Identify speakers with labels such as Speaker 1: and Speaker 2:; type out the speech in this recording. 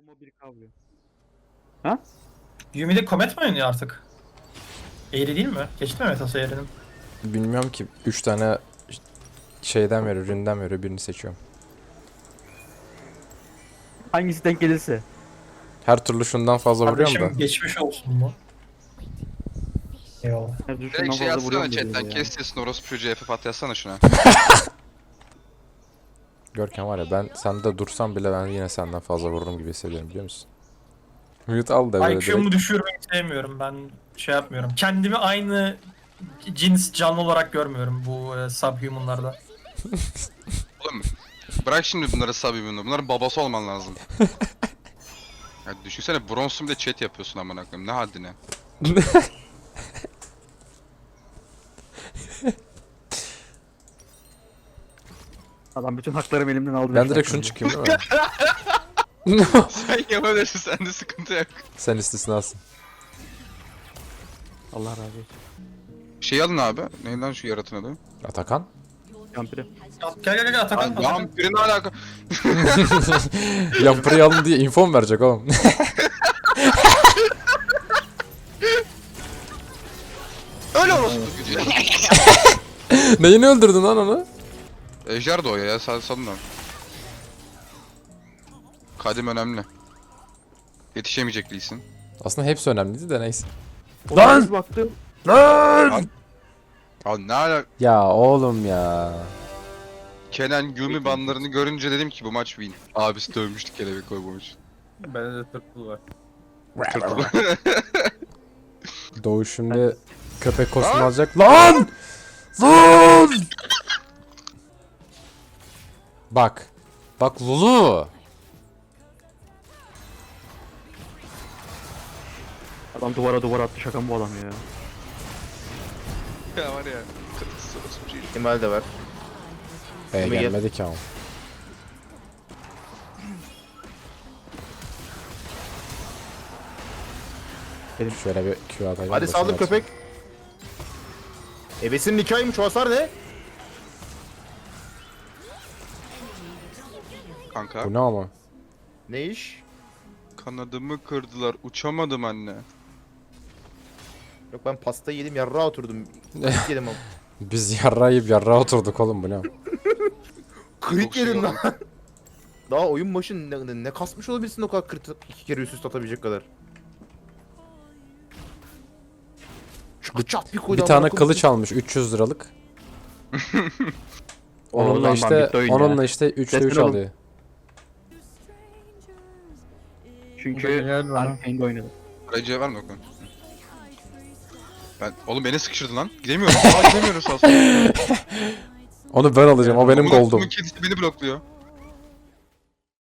Speaker 1: Ama bir kavga. Ha?
Speaker 2: Yumi'de Comet mi oynuyor artık? Eğri değil mi? Geçti mi metası Eğri'nin?
Speaker 3: Bilmiyorum ki 3 tane şeyden veriyor, üründen veriyor, birini seçiyorum.
Speaker 1: Hangisi denk gelirse.
Speaker 3: Her türlü şundan fazla vuruyorum da.
Speaker 2: Kardeşim geçmiş olsun bu. Eyvallah.
Speaker 1: Her düşümden
Speaker 4: Direkt şey
Speaker 1: fazla
Speaker 4: yazsana
Speaker 1: vuruyorum
Speaker 4: chatten,
Speaker 1: dedi ya.
Speaker 4: kes sesini orospu çocuğu FF yazsana şuna.
Speaker 3: Görkem var ya, ben sende dursam bile ben yine senden fazla vururum gibi hissediyorum, biliyor musun? Mute al da böyle
Speaker 2: IQ'mu
Speaker 3: direkt.
Speaker 2: düşürmeyi sevmiyorum. Ben şey yapmıyorum. Kendimi aynı cins canlı olarak görmüyorum bu subhumanlarda.
Speaker 4: Oğlum bırak şimdi bunları sabibini. Bunların babası olman lazım. Ya düşünsene bronzsun bir de chat yapıyorsun amına koyayım. Ne haddine?
Speaker 1: Adam bütün haklarımı elimden aldı.
Speaker 3: Ben direkt şunu çıkayım değil mi?
Speaker 4: Sen yapabilirsin, sende sıkıntı yok.
Speaker 3: Sen istisnasın.
Speaker 1: Allah razı olsun.
Speaker 4: Şey alın abi. Neydi lan şu yaratın adı?
Speaker 3: Atakan?
Speaker 1: Yampiri.
Speaker 2: Gel Atakan.
Speaker 4: Lan vampirin alaka.
Speaker 3: Yampırı alın diye info mu verecek oğlum?
Speaker 4: Öyle orospu gücü.
Speaker 3: Neyini öldürdün lan onu?
Speaker 4: Ejder doğuyor ya, salın lan. Kadim önemli. Yetişemeyecek değilsin.
Speaker 3: Aslında hepsi önemliydi de neyse.
Speaker 1: Lan! Baktım.
Speaker 3: Lan!
Speaker 4: Abi ne alaka?
Speaker 3: Ya oğlum ya.
Speaker 4: Kenan Yumi banlarını görünce dedim ki bu maç win. Abisi dövmüştü kelebek koymamış.
Speaker 5: Bende de tırtıl var.
Speaker 3: Doğu şimdi köpek kostümü alacak. Lan! Lan! Bak. Bak Lulu.
Speaker 1: Adam duvara attı, şaka mı bu adam ya?
Speaker 4: Ya var ya. Kırmızı orospu çocuğu.
Speaker 5: İhtimal de var. Ama
Speaker 3: Gelmedi ki ama. Şöyle bir Q atacağım.
Speaker 5: Hadi
Speaker 3: da
Speaker 5: saldır
Speaker 3: şunu
Speaker 5: köpek. Ebesinin nikahıymış, o hasar ne?
Speaker 4: Kanka.
Speaker 3: atayım. Bu ne ama?
Speaker 5: Ne iş?
Speaker 4: Kanadımı kırdılar. Uçamadım anne.
Speaker 5: Yok ben pasta yedim, yarrağa oturdum. Kırık yedim ama.
Speaker 3: Biz yarrağı yiyip yarrağa oturduk oğlum, bu ne?
Speaker 5: Kırık
Speaker 4: Çok şey
Speaker 5: yedim lan.
Speaker 4: oldu.
Speaker 5: Daha oyun başı ne kasmış olabilirsin o kadar kırık, 2 kere üst üste atabilecek kadar. Çık çat bir koydu.
Speaker 3: Bir tane kılıç almış 300 liralık.
Speaker 1: Oğlum
Speaker 3: Onunla
Speaker 1: lan,
Speaker 3: işte
Speaker 1: bitti oyun ya.
Speaker 3: onunla işte 3'te 3
Speaker 1: Destek olun.
Speaker 3: alıyor.
Speaker 1: Çünkü Arkane'de oynadı.
Speaker 4: Aracıya var mı bakalım? Oğlum beni sıkıştırdı lan. Gidemiyorum. Gidemiyoruz aslında.
Speaker 3: Onu ben alacağım. O benim
Speaker 4: Bunun
Speaker 3: gold'um.
Speaker 4: kedisi beni blokluyor.